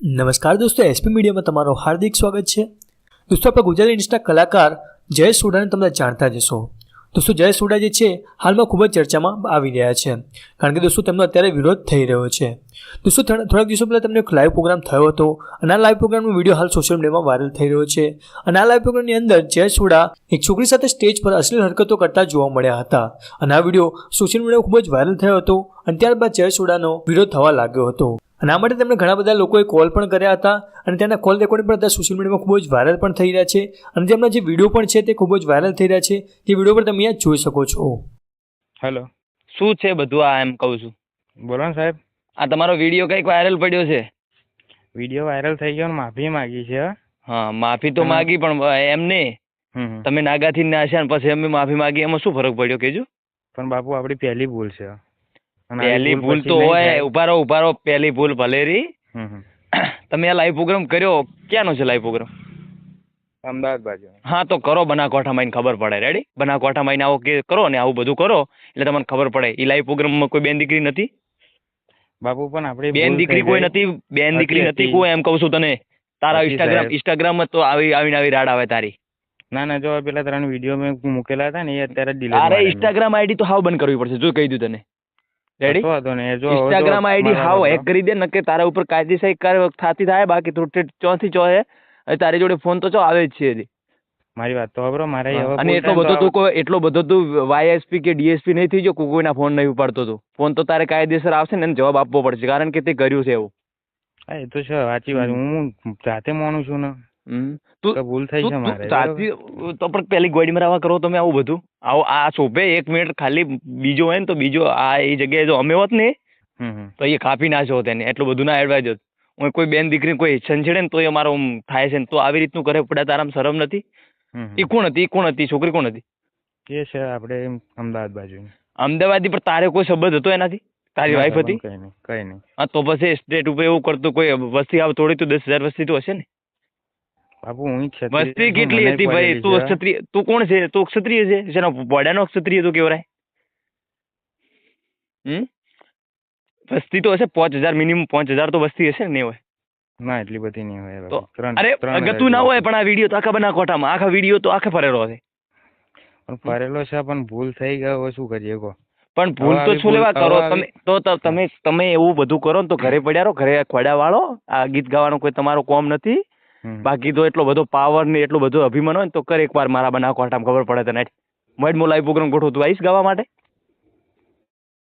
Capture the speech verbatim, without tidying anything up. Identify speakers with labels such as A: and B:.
A: નમસ્કાર દોસ્તો, એસપી મીડિયામાં તમારું હાર્દિક સ્વાગત છે. દોસ્તો, આપણે ગુજરાતી ઇન્ડસ્ટ્રીના કલાકાર જયેશ સોઢાને તમે જાણતા જ હશો. દોસ્તો, જયેશ સોઢા જે છે હાલમાં ખૂબ જ ચર્ચામાં આવી રહ્યા છે, કારણ કે દોસ્તો તેમનો અત્યારે વિરોધ થઈ રહ્યો છે. દોસ્તો, થોડાક દિવસો પહેલાં તેમનો એક લાઈવ પ્રોગ્રામ થયો હતો અને આ લાઈવ પ્રોગ્રામનો વિડીયો હાલ સોશિયલ મીડિયામાં વાયરલ થઈ રહ્યો છે. અને આ લાઈવ પ્રોગ્રામની અંદર જયેશ સોઢા એક છોકરી સાથે સ્ટેજ પર અશ્લીલ હરકતો કરતા જોવા મળ્યા હતા અને આ વિડીયો સોશિયલ મીડિયામાં ખૂબ જ વાયરલ થયો હતો અને ત્યારબાદ જયેશ સોઢાનો વિરોધ થવા લાગ્યો હતો. અને આ માટે તેમણે ઘણા બધા લોકોએ કોલ પણ કર્યા હતા અને તેના કોલ રેકોર્ડિંગ પણ અત્યારે સોશિયલ મીડિયામાં ખૂબ જ વાયરલ પણ થઈ રહ્યા છે અને તેમના જે વિડીયો પણ છે તે ખૂબ જ વાયરલ થઈ રહ્યા છે. જે વિડીયો પર તમે અહીંયા જોઈ શકો છો.
B: હેલો, શું છે બધું આ? એમ કહું છું.
C: બોલો ને સાહેબ.
B: આ તમારો વિડીયો કંઈક વાયરલ પડ્યો છે.
C: વિડીયો વાયરલ થઈ ગયો ને માફી માંગી છે.
B: હા, માફી તો માંગી, પણ એમ નહીં, તમે નાગાથી નાશ્યા ને પછી અમે માફી માંગી, એમાં શું ફરક પડ્યો કેજો?
C: પણ બાપુ આપણી પહેલી ભૂલ છે.
B: પહેલી ભૂલ તો હોય, ઉભારો ઉભારો પહેલી ભૂલ ભલેરી. તમે આ લાઈવ પ્રોગ્રામ કર્યો, ક્યાંનો છે લાઈવ પ્રોગ્રામ?
C: અમદાવાદ બાજુ.
B: હા, તો કરો બનાસકાંઠામાં આવીને ખબર પડે. રેડી? બનાસકાંઠામાં આવીને આવો કે કરો ને આવું બધું કરો એટલે તમને ખબર પડે. એ લાઈવ પ્રોગ્રામમાં કોઈ બેન દીકરી નથી
C: બાપુ, પણ આપણી
B: બેન દીકરી કોઈ નથી, બેન દીકરી નથી કોઈ, એમ કહું છું તને. તારા ઇન્સ્ટાગ્રામ ઇન્સ્ટાગ્રામ તો આવી આવીને આવી રાડ આવે તારી.
C: ના ના, જો પેલા ત્રણ વિડીયો મેં મૂકેલા હતા ને એ અત્યારે ડિલીટ.
B: અરે ઇન્સ્ટાગ્રામ આઈડી તો હાવ બંધ કરવી પડશે, જો કહી દઉં તને. Ready? Instagram ID how hack કરી દે, નકે તારા ઉપર કાયદેસર કાર્યવાહી થતી થાય. બાકી થોડી ચોથી ચો હે તારી જોડે ફોન તો ચો આવે જ છે.
C: મારી વાત તો ખબર મારે.
B: અને એટલો બધો તું કોઈ એટલો બધો તું વાયએસપી કે ડીએસપી નહીં થઈ ગયો, કોઈના ફોન નહીં ઉપાડતો તું. ફોન તો તારે કાયદેસર આવશે ને, જવાબ આપવો પડશે, કારણ કે તે કર્યું છે એવું.
C: હા, એ તો છે, સાચી વાત. હું જાતે માનું છું ને.
B: તું
C: ભૂલ થઈ છે મારે.
B: સાચી તો પણ પેલી ગોડી મરાવા કરો તમે આવું બધું. આવો આ શોભે એક મિનિટ ખાલી બીજો હોય ને તો બીજો આ એ જગ્યાએ જો અમે હોત ને તો એ કાપી નાખ્યો તેને. એટલું બધું ના એડવાઇઝ હોત. હું કોઈ બેન દીકરી કોઈ છંછેડે ને તો એ મારો થાય છે ને, તો આવી રીતનું કરે પડે તારામ શરમ નથી? એ કોણ હતી? એ કોણ હતી? છોકરી કોણ હતી?
C: એ છે આપણે અમદાવાદ બાજુ.
B: અમદાવાદી? પણ તારે કોઈ સંબંધ હતો એનાથી? તારી વાઈફ હતી?
C: કઈ નહીં, કઈ નહીં.
B: હા, તો પછી સ્ટેટ ઉપર એવું કરતું કોઈ વસ્તી આવ થોડી તો દસ હજાર વસ્તી તો હશે ને
C: બાપુ. હું
B: વસ્તી કેટલી હતી ભાઈ? તું ક્ષત્રિય, તું કોણ છે? તું ક્ષત્રિય છે? જેનો બોડાનો ક્ષત્રિય તું કેવરાય? હમ વસ્તી તો હશે પાંચ હજાર મિનિમમ. પાંચ હજાર તો વસ્તી હશે ને? નહીં હોય?
C: ના, એટલી બધી નહીં હોય.
B: તો અરે અગતું ના હોય, પણ આ વિડીયો તો આખા બનાસકાંઠામાં આખા વિડીયો તો આખે ફરેલો છે.
C: પણ ફરેલો છે, પણ ભૂલ થઈ ગયો, શું કરીએ કહો?
B: પણ ભૂલ તો શું લેવા કરો તમે? તો તમે તમે એવું બધું કરો ને તો ઘરે પડ્યા રહો, ઘરે ખોડા વાળો. આ ગીત ગાવાનો કોઈ તમારો કોમ નથી. બાકી તો એટલો બધો પાવર ને એટલો બધો અભિમાન હોય ને તો કર એકવાર મારા બનાસકાંઠામાં ખબર પડે તને. મોડ મો લાઈવ પ્રોગ્રામ ગોઠવું, તું આવીશ ગાવા માટે?